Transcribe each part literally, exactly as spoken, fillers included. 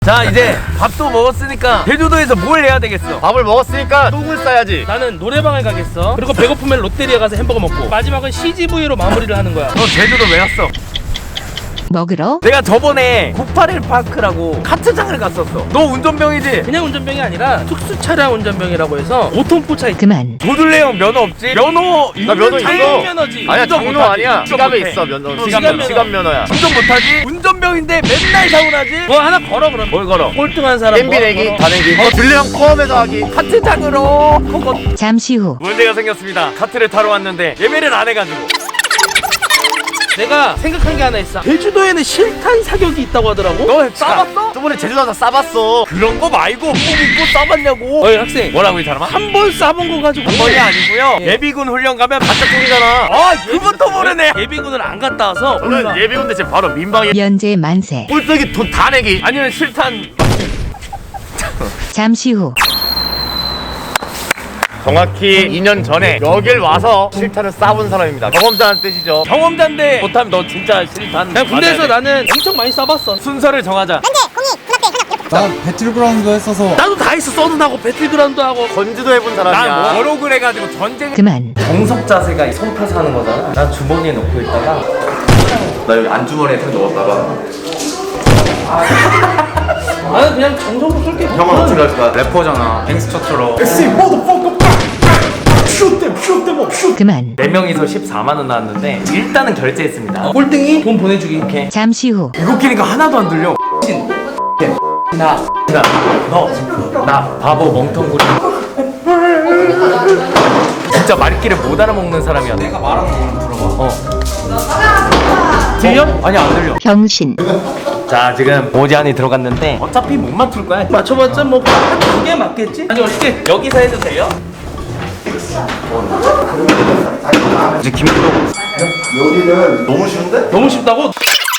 자, 이제 밥도 먹었으니까 제주도에서 뭘 해야 되겠어? 밥을 먹었으니까 똥을 싸야지. 나는 노래방을 가겠어. 그리고 배고프면 롯데리아 가서 햄버거 먹고 마지막은 씨지브이로 마무리를 하는 거야. 너 제주도 왜 왔어? 먹으러 내가 저번에 구팔일 파크라고 카트장을 갔었어. 너 운전병이지? 그냥 운전병이 아니라 특수 차량 운전병이라고 해서 오 톤 포차 그만. 도둘레형 면허 없지? 면허 나 면허 있어. 장롱 면허지. 아니야, 운전 장로 못하지. 아니야. 운전 지갑에 못해. 있어 면허. 어, 지갑 지갑 면허. 면허. 지갑 면허야. 운전 못하지? 운전병인데 맨날 사고 나지? 뭐 하나 걸어 그럼. 뭘 걸어? 꼴등한 사람 엠비 뭐 하나 내기, 걸어. 다 내기. 어, 둘레랑 포함해서 하기. 카트장으로 그거 잠시 후 문제가 생겼습니다. 카트를 타러 왔는데 예매를 안 해가지고. 내가 생각한 게 하나 있어. 제주도에는 실탄 사격이 있다고 하더라고. 너 싸봤어? 저번에 제주도 가서 싸봤어. 그런 거 말고 뭐 믿고 싸봤냐고. 어이 학생, 뭐라고 이 사람아? 한 번 쏴본 거 가지고 한 번이 아니고요. 예. 예비군 훈련 가면 바짝통이잖아. 아, 그것도 모르네. 예비군을 안 갔다 와서 몰라. 저는 예비군대 지금 바로 민방위. 면제 만세. 꼴뚜기 돈 다 내기. 아니면 실탄. 잠시 후 정확히 이 년 전에 여길 와서 실탄을 쏴본 사람입니다. 경험자는 뜻이죠. 경험자인데 못하면 너 진짜 실탄. 그냥 군대에서 맞아야 돼. 나는 엄청 많이 쏴봤어. 순서를 정하자. 나 배틀그라운드 했어서 나도 다 했어. 써는 하고 배틀그라운드 하고. 건지도 해본 난 사람이야. 워로그래 가지고 전쟁. 그만. 정석 자세가 손 펴서 하는 거잖아. 난 주머니에 넣고 있다가 나 여기 안주머니에 탁 넣었다가. 나는 그냥 정성으로 쏠게. 형은 어떻게 할 거야? 래퍼잖아. 갱스터처럼. 그만. 네 명이서 십사만 원 나왔는데 일단은 결제했습니다. 꼴등이 돈 보내주기. 오케이. 잠시 후 이거 끼니까 하나도 안 들려. 나, 나, 너, 나 바보 멍텅구리. 진짜 말귀를 못 알아먹는 사람이야. 내가 말하는 거는 들어봐. 어. 들려? 아니 안 들려. 병신. 자, 지금 모지 안이 들어갔는데 어차피 못 맞출 거야. 맞춰봤자 뭐 두 개 맞겠지? 아니 어떻게 여기서 해도 돼요? 이제 김도. 여기는 너무 쉬운데? 너무 쉽다고?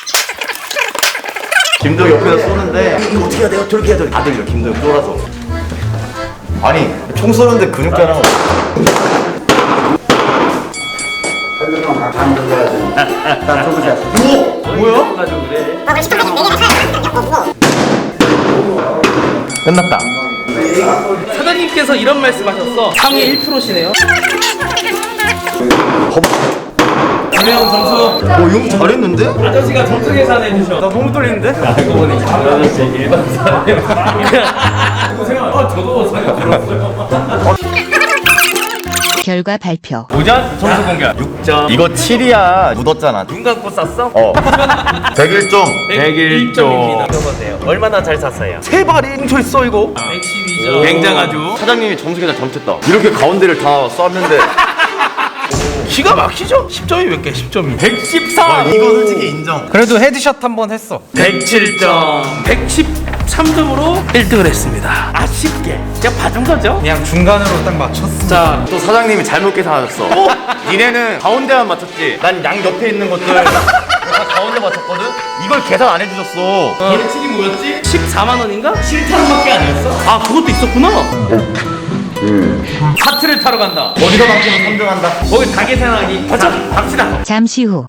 김도 옆에서 쏘는데 이거 어떻게 해야 돼? 어떻게 해야 돼? 다 들려. 김도 쫄아서. 아니 총 쏘는데 근육자랑. 뭐야? 가지고 그래. 끝났다. 사장님께서 이런 말씀하셨어. 상위 일 퍼센트시네요. 김혜영 점수. 어, 용 잘했는데? 아저씨가 점수 계산해 주셔. 나 너무 떨리는데? 알고 보니 이 아저씨 일반 사람이야. 그거 생각. 아, 저도 생각 들었어요. 결과 발표. 오전 점수 공개. 육 점. 이거 칠이야. 묻었잖아. 눈 감고 쌌어? 어. 백일 점. 백일 점. 읽어보세요. 얼마나 잘 샀어요? 세 발이 뭉쳐 있어 이거. 백십이 점. 굉장하죠. 사장님이 점수 계산 잘못했다. 이렇게 가운데를 다 쐈는데. 기가 막히죠? 십 점이 몇 개? 십 점이. 백십사. 이거 솔직히 인정. 그래도 헤드샷 한 번 했어. 백칠 점. 백십삼 점으로 일 등을 했습니다. 아쉽게. 제가 봐준 거죠? 그냥 중간으로 딱 맞췄어. 자, 또 사장님이 잘못 계산하셨어. 니네는 가운데만 맞췄지. 난 양 옆에 있는 것들 다 가운데 맞췄거든. 이걸 계산 안 해주셨어. 예측이 뭐였지? 십사만 원인가? 실탄밖에 아니었어? 아, 그것도 있었구나. 카트를 타러 간다. 어디서 바뀌면 삼 등 한다. 거기 다 계산하기. 가자. 갑시다. 잠시 후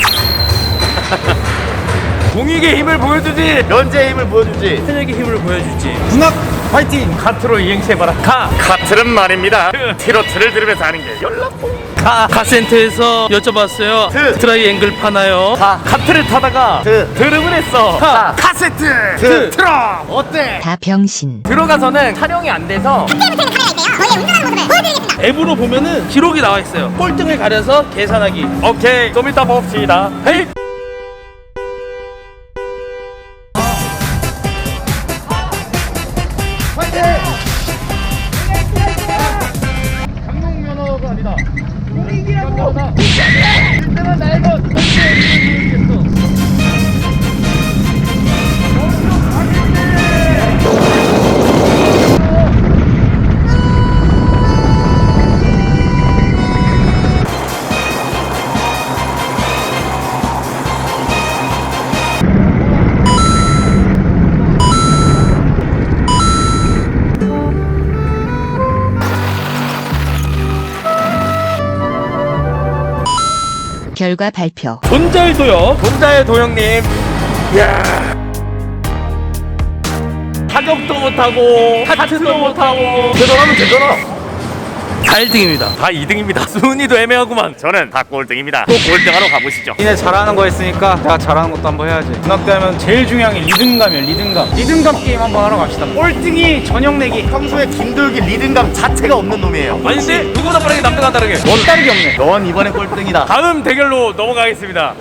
공익의 힘을 보여주지. 면제의 힘을 보여주지. 현역의 힘을 보여주지. 군악 파이팅. 카트로 이행시해봐라. 가. 카트는 말입니다. 트로트를 들으면서 하는 게 연락봉. 가. 카센터에서 여쭤봤어요. 트. 트라이앵글 파나요? 가. 카트를 타다가 트. 드름을 했어. 가. 카세트. 트. 트럼. 어때? 다 병신. 들어가서는 촬영이 안 돼서 앱으로 보면은 기록이 나와 있어요. 꼴등을 가려서 계산하기. 오케이 좀 이따 봅시다. 헤이. 결과 발표. 본잘도요. 본자의 도영님. 타격도 못하고 하트도 못하고 대단하면 되잖아. 다 일 등입니다. 다 이 등입니다. 순위도 애매하구만. 저는 다 꼴등입니다. 또 꼴등하러 가보시죠. 니네 잘하는 거 했으니까 내가 잘하는 것도 한번 해야지. 군악대 하면 제일 중요한 게 리듬감이야, 리듬감. 리듬감 게임 한번 하러 갑시다. 꼴등이 저녁 내기. 평소에 김돌기 리듬감 자체가 없는 놈이에요. 아닌데 누구보다 빠르게 남들과 다르게. 넌 다르게 없네. 넌 이번에 꼴등이다. 다음 대결로 넘어가겠습니다.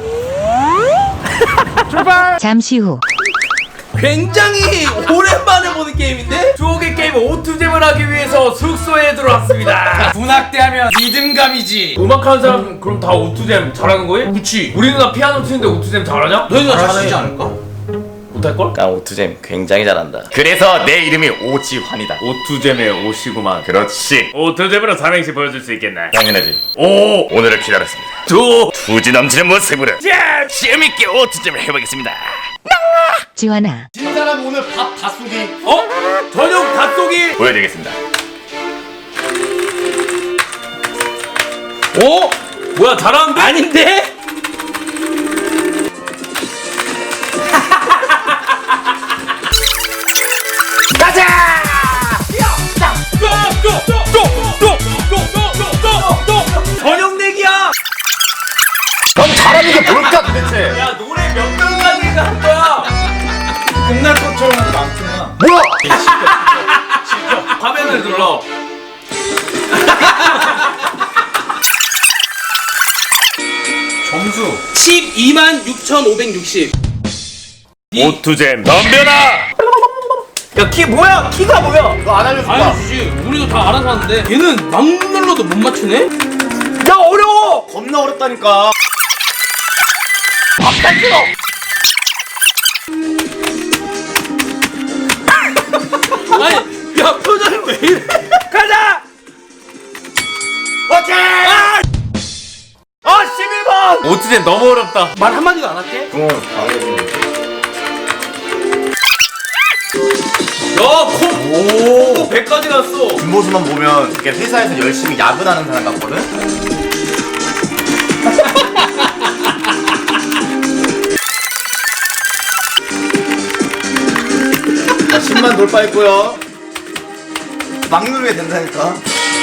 출발! 잠시 후 굉장히 오랜만에 보는 게임인데? 추억의 게임 오투잼을 하기 위해서 숙소에 들어왔습니다. 군악대 하면 리듬감이지. 음악하는 사람 그럼 다 오투잼 잘하는 거예요? 그치. 우리 누나 피아노 치는데 오투잼 잘하냐? 너희가 잘하시지 잘하지 않을까? 못할걸? 난 오투잼 굉장히 잘한다. 그래서 내 이름이 오지환이다. 오투잼의 오시구만. 그렇지. 오투잼으로 삼행시 보여줄 수 있겠나? 당연하지. 오! 오늘을 기다렸습니다. 두! 투지 넘치는 모습으로 자, 재밌게 오투잼을 해보겠습니다. 지환아 진 사람 오늘 밥 다 쏘기 어? 저녁 닭쏘기! 보여드리겠습니다. 오! 뭐야 잘하는데? 아닌데? 저녁 내기야! 넌 잘하는 게 뭘까 도대체? 야 노래 몇 명까지 한 거야? 끝날 것처럼 많구나. 뭐야? 화면을 눌러. 점수. 십이만 육천오백육십. 오투잼 덤벼라! 야 키 뭐야? 키가 뭐야? 너 안 알려줬다. 알려주지. 우리도 다 알아서 하는데 얘는 막 눌러도 못 맞추네? 야 어려워! 겁나 어렵다니까. 아니 야 표정이 왜 이래? 가자! 오케이. 아! 아 십일 번! 오투잼 너무 어렵다. 말 한마디도 안 할게? 어, 알겠습니다. 야 코! 오! 백까지 갔어. 뒷모습만 보면 이렇게 회사에서 열심히 야근하는 사람 같거든? 자, 십만 돌파했고요. 막 누르게 된다니까.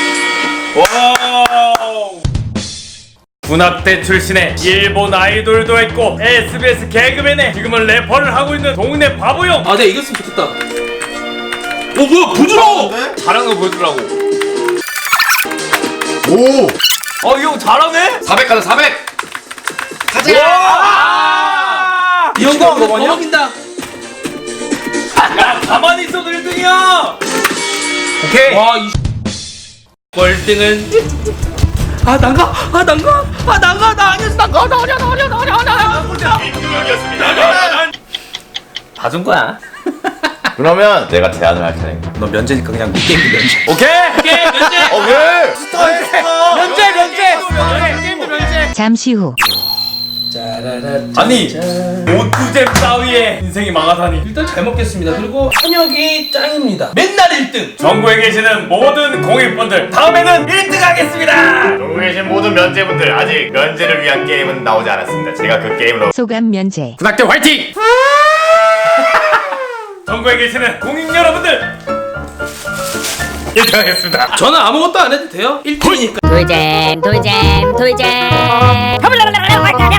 와우! 군악대 출신의 일본 아이돌도 했고 에스비에스 개그맨에 지금은 래퍼를 하고 있는 동네 바보형. 아 내가 이겼으면 좋겠다. 어 뭐야 부드러워. 잘하는 거 보여주라고. 오! 어 이 형 잘하네? 사백 가자, 사백! 와! 이 형도 더 먹인다. 야 가만히 있어도 일 등이야. 오케이. 와이 꼴등은 아 난가? 아 난가? 아 난가? 나 아니었어. 난가? 나 아니야 나 아니야 나 아니야 나 아니야. 봐준 거야. 그러면 내가 제안을 할 차례인가? 너 면제니까 그냥 이 게임도 면제. 오케이. 오케이 면제. 어, 왜? 스타일, 스타! 면제 면제. 게임도 면제. 잠시 후 아니 오투잼 따위에 인생이 망하다니. 일단 잘 먹겠습니다. 그리고 한혁이 짱입니다. 맨날 일 등. 전국에 계시는 모든 공익분들 다음에는 일 등 하겠습니다. 전국에 계신 모든 면제분들 아직 면제를 위한 게임은 나오지 않았습니다. 제가 그 게임으로 소감 면제 군악대 화이팅! 전국에 계시는 공익 여러분들 일 등 하겠습니다. 저는 아무것도 안 해도 돼요. 일 등이니까. 돌잼 돌잼 돌잼